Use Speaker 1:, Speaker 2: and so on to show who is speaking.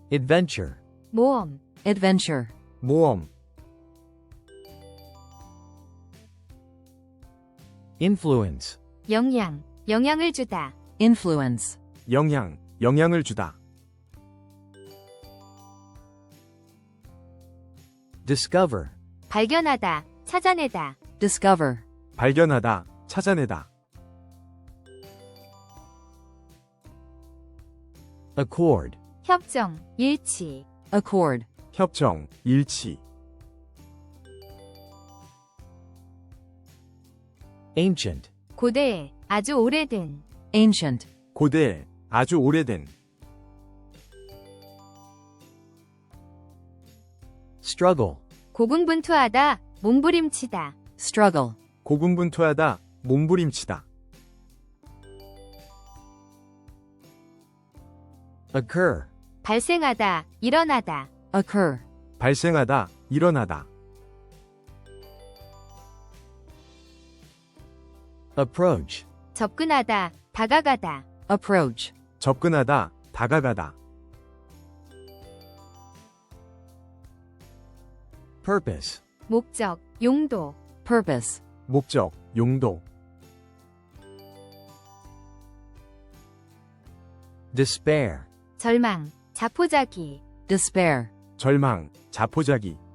Speaker 1: adventure,
Speaker 2: 모험,
Speaker 3: adventure,
Speaker 4: 모험,
Speaker 1: influence,
Speaker 2: 영향, 영향을 주다.
Speaker 3: influence,
Speaker 4: 영향, 영향을 주다.
Speaker 1: discover,
Speaker 2: 발견하다, 찾아내다.
Speaker 3: discover,
Speaker 4: 발견하다, 찾아내다.
Speaker 1: accord,
Speaker 2: 협정, 일치.
Speaker 3: accord,
Speaker 4: 협정, 일치.
Speaker 1: ancient,
Speaker 2: 고대, 아주 오래된.
Speaker 3: ancient,
Speaker 4: 고대, 아주 오래된.
Speaker 1: struggle,
Speaker 2: 고군분투하다, 몸부림치다.
Speaker 3: struggle,
Speaker 4: 고군분투하다, 몸부림치다.
Speaker 1: occur,
Speaker 2: 발생하다, 일어나다.
Speaker 3: occur,
Speaker 4: 발생하다, 일어나다.
Speaker 1: approach,
Speaker 2: 접근하다, 다가가다.
Speaker 3: approach,
Speaker 4: 접근하다, 다가가다.
Speaker 1: purpose,
Speaker 2: 목적, 용도.
Speaker 3: purpose,
Speaker 4: 목적, 용도.
Speaker 1: despair,
Speaker 2: 절망, 자포자기.
Speaker 3: despair,
Speaker 4: 절망, 자포자기.